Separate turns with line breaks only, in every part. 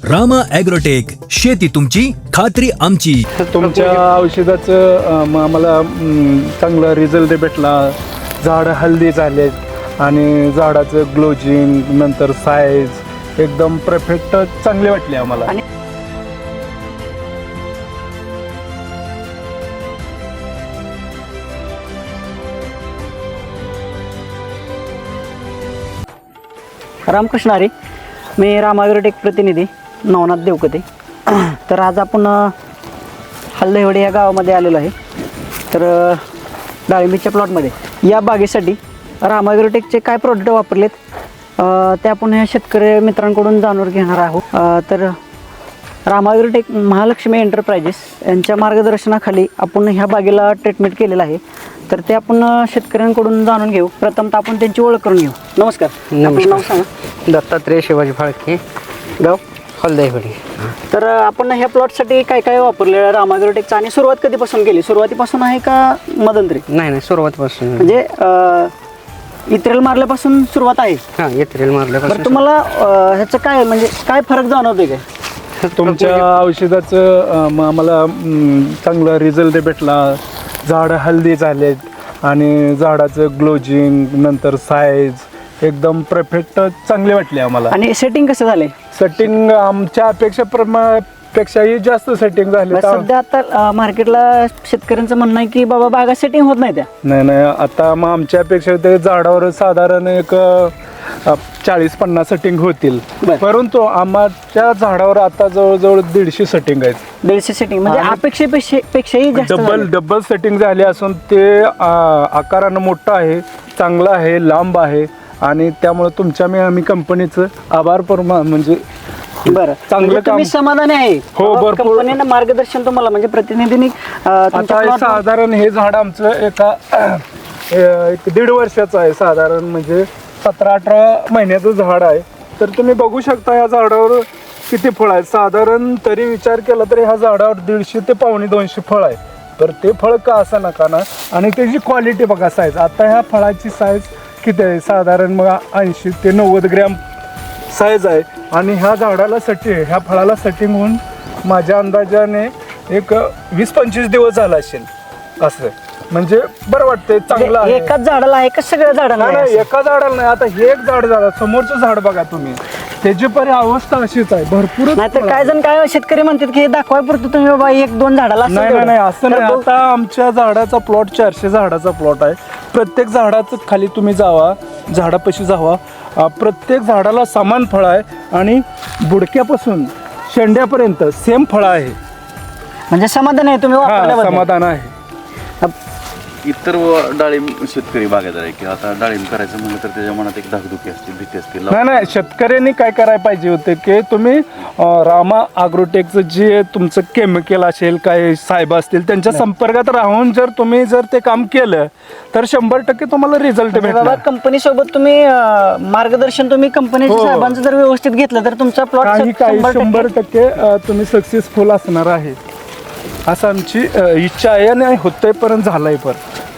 Rama agrotech, शेती तुमची खात्री आमची.
तुमच्या औषधाचं आम्हाला चांगला रिझल्ट भेटला. झाडं हल्दी झालेत आणि झाडाचं ग्लोजिंग नंतर साईज एकदम परफेक्ट चांगले वाटले आम्हाला.
रामकृष्ण हरी, मी रामा ॲग्रोटेक प्रतिनिधी नवनाथ देवकते. तर आज आपण हल्लेवडे या गावामध्ये आलेलो आहे. तर डाळिंबीच्या प्लॉटमध्ये या बागेसाठी रामा ॲग्रोटेकचे काय प्रोडक्ट वापरलेत ते आपण ह्या शेतकरी मित्रांकडून जाणून घेणार आहोत. तर रामा ॲग्रोटेक महालक्ष्मी एंटरप्राइजेस यांच्या मार्गदर्शनाखाली आपण ह्या बागेला ट्रीटमेंट केलेलं आहे. तर ते आपण शेतकऱ्यांकडून जाणून घेऊ. प्रथमतः आपण त्यांची ओळख करून घेऊ. नमस्कार. आपलं नाव सांगा.
दत्तात्रय शिवाजी फाळके,
गाव
हलदाईवाडी.
तर आपण ह्या प्लॉटसाठी काय काय वापरले रामा ॲग्रोटेकचं आणि सुरुवात कधीपासून केली? सुरुवातीपासून आहे का मध्यंतरी?
नाही सुरुवातीपासून
म्हणजे इत्रेल मारल्यापासून सुरुवात आहे.
हां, एप्रिल मारल्यापासून.
बरं, तुम्हाला ह्याचं काय म्हणजे काय फरक जाणवतोय काय?
तुमच्या औषधाचं आम्हाला चांगला रिझल्ट भेटला. झाडं हल्दी झालेत आणि झाडाचं ग्लोजिंग नंतर साईज एकदम परफेक्ट चांगले वाटले आम्हाला.
आणि सेटिंग कसं झालंय?
सेटिंग आमच्या पेक्षाही जास्त सेटिंग झाले.
सध्या आता मार्केटला शेतकऱ्यांचं म्हणणं आहे की बाबा बागा सेटिंग होत नाही त्या.
नाही आता मग आमच्यापेक्षा ते झाडावर साधारण एक 40-50 सेटिंग होतील. परंतु आमच्या झाडावर आता जवळजवळ 150 सेटिंग आहेत.
150 सेटिंग म्हणजे अपेक्षेपेक्षाही जास्त
डबल सेटिंग झाले असून ते आकारानं मोठं आहे, चांगलं आहे, लांब आहे आणि त्यामुळे तुमच्या आम्ही कंपनीचं आभार म्हणजे
बरं
चांगलं
तुम्ही समाधानी आहे?
हो, भरपूर.
कंपनीनं मार्गदर्शन तुम्हाला म्हणजे प्रतिनिधींनी
आता साधारण हे झाड आमचं एक 1.5 वर्षाचं आहे. साधारण म्हणजे 17-18 महिन्याचं झाड आहे. तर तुम्ही बघू शकता या झाडावर किती फळ आहे. साधारण तरी विचार केला तरी ह्या झाडावर 150 ते 250 फळ आहे. तर ते फळ का असं नका ना. आणि त्याची क्वालिटी बघा, साईज. आता ह्या फळाची साईज किती आहे? साधारण मग 80 ते 90 ग्रॅम साईज आहे. आणि ह्या झाडाला ह्या फळाला सेटिंग होऊन माझ्या अंदाजाने एक 20-25 दिवस झाला असेल. असं म्हणजे बरं वाटतंय, चांगलं आहे.
एकाच झाडाला आहे का सगळ्या झाडाला?
नाही, एका झाडाला नाही. आता हे एक झाड झालं, समोरचं झाड बघा तुम्ही, त्याची पण अवस्था अशीच आहे. भरपूर.
नाही तर काय जण काय शेतकरी म्हणतात की हे दाखवाय पुरतं तुम्ही बाबा 1-2 झाडाला.
नाही असं नाही. आता आमच्या झाडाचा प्लॉट 400 झाडाचा प्लॉट आहे. प्रत्येक झाडाचं खाली तुम्ही जावा, झाडापाशी जावा, प्रत्येक झाडाला समान फळ आहे आणि बुडक्यापासून शेंड्यापर्यंत सेम फळ आहे.
म्हणजे समाधान आहे तुम्ही वापरल्याबद्दल?
समाधान आहे.
इतर डाळिंब शेतकरी बागायदार आहे की आता डाळिंब करायचं म्हणलं तर त्याच्या मनात एक धाकधुकी असते, भीती असते.
नाही, शेतकऱ्यांनी काय करायला पाहिजे होतं की तुम्ही रामा ॲग्रोटेकचं जे तुमचं केमिकल असेल, काय साहेब असतील, त्यांच्या संपर्कात राहून जर ते काम केलं तर 100% तुम्हाला रिझल्ट भेटणार.
कंपनी सोबत तुम्ही मार्गदर्शन तुम्ही कंपनीच्या साहेबांचं जर व्यवस्थित घेतलं तर तुमचा प्लॉट
काही 100% तुम्ही सक्सेसफुल असणार आहे असं आमची इच्छा आहे आणि होतंय पर्यंत झालंय. पण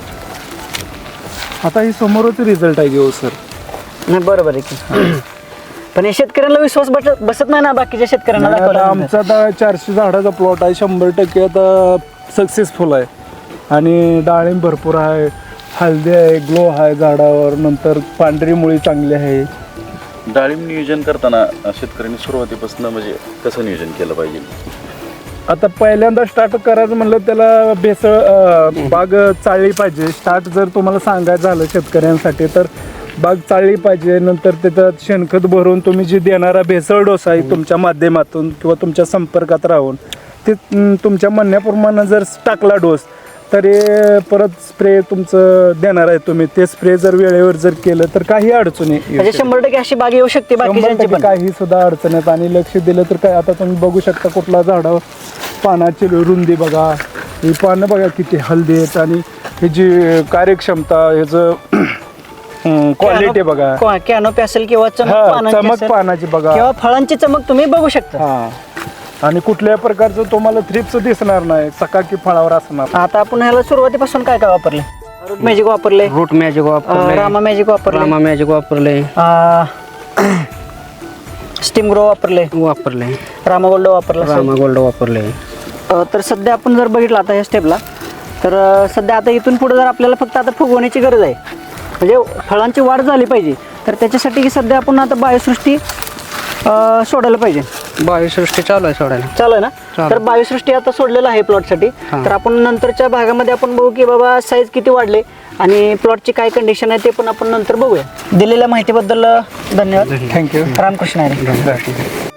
आता ही समोरच रिझल्ट आहे घेऊ सर.
नाही बरोबर आहे की. पण हे शेतकऱ्यांना विश्वास बसत नाही ना बाकीच्या शेतकऱ्यांना.
आमचा आता 400 झाडाचा प्लॉट आहे, 100% आता सक्सेसफुल आहे. आणि डाळिंब भरपूर आहे, हळदी आहे, ग्लो आहे झाडावर, नंतर पांढरी मुळी चांगली आहे.
डाळिंब नियोजन करताना शेतकऱ्यांनी सुरुवातीपासून म्हणजे कसं नियोजन केलं पाहिजे?
आता पहिल्यांदा स्टार्ट करायचं म्हणलं त्याला भेसळ बाग चालली पाहिजे. स्टार्ट जर तुम्हाला सांगायचं झालं शेतकऱ्यांसाठी तर बाग चालली पाहिजे. नंतर त्याच्यात शेणखत भरून तुम्ही जे देणारा भेसळ डोस आहे तुमच्या माध्यमातून किंवा तुमच्या संपर्कात राहून ते तुमच्या म्हणण्याप्रमाणे जर टाकला डोस तरी परत स्प्रे तुमचं देणार आहे तुम्ही. ते स्प्रे जर वेळेवर जर केलं तर काही अडचणी
100% अशी बाग येऊ शकते.
काही सुद्धा अडचणीत आणि लक्ष दिलं तर काय. आता तुम्ही बघू शकता कुठला झाडावर पानाची रुंदी बघा, ही पानं बघा किती हल्दी आहेत आणि ह्याची कार्यक्षमता, ह्याचं क्वालिटी बघा.
कॅनोपी असेल किंवा
चमक पानाची बघा
किंवा फळांची चमक तुम्ही बघू शकता.
आणि कुठल्याही प्रकारचं तुम्हाला थ्रिप्स दिसणार नाही, चकाकी फळावर असणार.
आता आपण ह्याला सुरुवातीपासून काय काय वापरले? रूट मॅजिक वापरले,
रूट मॅजिक वापरले,
रामा मॅजिक वापरले,
रामा मॅजिक वापरले,
स्टीम ग्रो वापरले,
वापरले.
रामागोल्ड वापरला असेल.
रामा गोल्ड वापरले.
तर सध्या आपण जर बघितलं आता या स्टेपला, तर सध्या आता इथून पुढे जर आपल्याला फक्त आता फुगवण्याची गरज आहे, म्हणजे फळांची वाढ झाली पाहिजे, तर त्याच्यासाठी सध्या आपण आता बायोसृष्टी सोडायला पाहिजे.
बायोसृष्टी चालू आहे सोडायला.
चालू आहे ना?
चालू.
तर बायोसृष्टी आता सोडलेलं आहे प्लॉटसाठी.
हां.
तर आपण नंतरच्या भागामध्ये आपण बघू की बाबा साईज किती वाढले आणि प्लॉटची काय कंडिशन आहे ते पण आपण नंतर बघूया. दिलेल्या माहितीबद्दल धन्यवाद.
थँक्यू.
रामकृष्ण हरी.
धन्यवाद.